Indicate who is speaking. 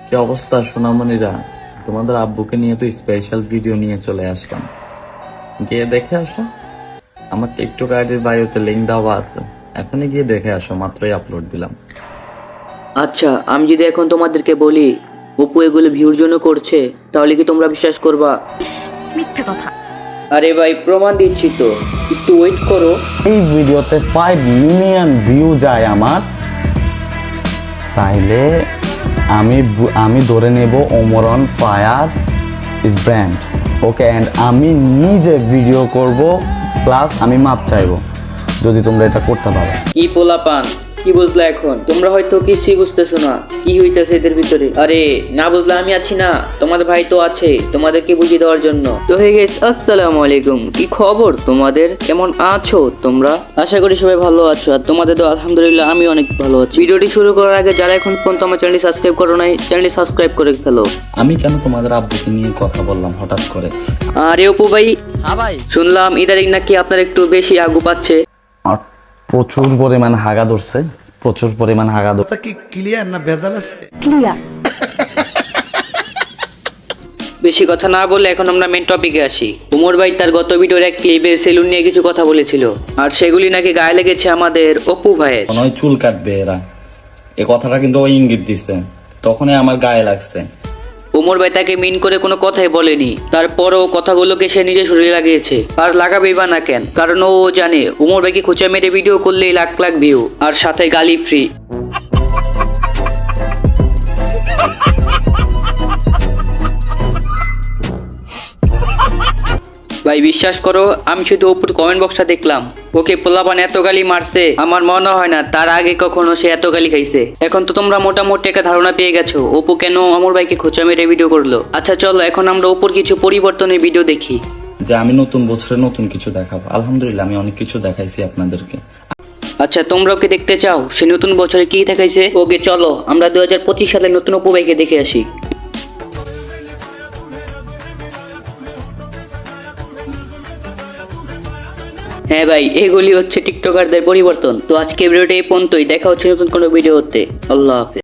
Speaker 1: কি অবস্থা সোনামণিরা? তোমাদের আব্বুকে নিয়ে তো স্পেশাল ভিডিও নিয়ে চলে আসলাম, গিয়ে দেখে আসো। আমার টিকটক আইডির বায়োতে লিংক দেওয়া আছে, এখনই গিয়ে দেখে আসো, মাত্রই আপলোড দিলাম।
Speaker 2: আচ্ছা, আমি যদি এখন তোমাদেরকে বলি অপু এগুলো ভিউর জন্য করছে, তাহলে কি তোমরা বিশ্বাস করবা?
Speaker 3: মিথ্যে কথা।
Speaker 2: আরে ভাই, প্রমাণ দিচ্ছি তো, একটু ওয়েট করো।
Speaker 1: এই ভিডিওতে 5 মিলিয়ন ভিউ যায় আমার, তাইলে আমি ধরে নেব Omron fire is brand. Okay, and আমি নিজে ভিডিও করব, প্লাস আমি মাপ চাইবো যদি তোমরা এটা করতে পারো।
Speaker 2: কি পোলাপান, কি বুঝলা এখন? তোমরা হয়তো কিছুই বুঝতেছো না কি হইতেছে এদের ভিতরে। আরে না বুঝলে আমি আছি না, তোমাদের ভাই তো আছে তোমাদেরকে বুঝিয়ে দেওয়ার জন্য। তো হে গাইস, আসসালামু আলাইকুম। কি খবর তোমাদের? কেমন আছো তোমরা? আশা করি সবাই ভালো আছো, আর তোমাদের তো আলহামদুলিল্লাহ আমি অনেক ভালো আছি। ভিডিওটি শুরু করার আগে যারা এখন পর্যন্ত আমার চ্যানেলটি সাবস্ক্রাইব করো নাই, চ্যানেলটি সাবস্ক্রাইব করে ফেলো।
Speaker 1: আমি কেন তোমাদের আব্বুকে নিয়ে কথা বললাম হঠাৎ করে?
Speaker 2: আরে অপু ভাই,
Speaker 4: হ্যাঁ ভাই,
Speaker 2: শুনলাম ইদারিং নাকি আপনার একটু বেশি আগু পাচ্ছে।
Speaker 1: আর প্রচুর পরিমাণ হাগা ধরছে, প্রচুর পরিমাণ হাগা ধরছে।
Speaker 4: কথা কি ক্লিয়ার না ভেজাল আছে?
Speaker 3: ক্লিয়ার।
Speaker 2: বেশি কথা না বলে এখন আমরা মেন টপিকে আসি। উমর ভাই তার গত ভিডিওর এক ক্লিপে সেলুন নিয়ে কিছু কথা বলেছিল, আর সেগুলি নাকি গায়ে লেগেছে আমাদের অপু ভাইয়ের।
Speaker 1: মনে হয় চুল কাটবে এরা, এ কথাটা কিন্তু ওই ইঙ্গিত দিচ্ছে, তখনই আমার গায়ে লাগছে।
Speaker 2: উমর ভাই তাকে মিন করে কোনো কথাই বলেনি, তারপরও কথাগুলোকে সে নিজে শরীরে লাগিয়েছে। আর লাগাবেই বা না কেন? কারণ ও জানে উমর ভাইকে খোঁচা মেরে ভিডিও করলেই লাখ লাখ ভিউ, আর সাথে গালি ফ্রি। ভাই বিশ্বাস করো, আমি শুধু অপুর কমেন্ট বক্সটা দেখলাম, ওকে পোলাপান এত গালি মারছে, আমার মনে হয় না তার আগে কখনো সে এত গালি খাইছে। এখন তো তোমরা মোটামুটি একটা ধারণা পেয়ে গেছো অপু কেন অমর ভাইকে খোঁচা মেরে ভিডিও করলো। আচ্ছা চলো এখন আমরা অপুর কিছু পরিবর্তনের ভিডিও দেখি।
Speaker 1: যে আমি নতুন বছরে নতুন কিছু দেখাবো, আলহামদুলিল্লাহ আমি অনেক কিছু দেখাইছি আপনাদেরকে।
Speaker 2: আচ্ছা তোমরা ওকে দেখতে চাও সে নতুন বছরে কি দেখাইছে? ওকে চলো আমরা 2025 সালে নতুন অপু ভাইকে দেখে আসি। হ্যাঁ ভাই, এগুলি হচ্ছে টিকটকারদের পরিবর্তন। তো আজকে ভিডিওটা এই পর্যন্তই, দেখা হচ্ছে নতুন কোনো ভিডিওতে। আল্লাহ হাফেজ।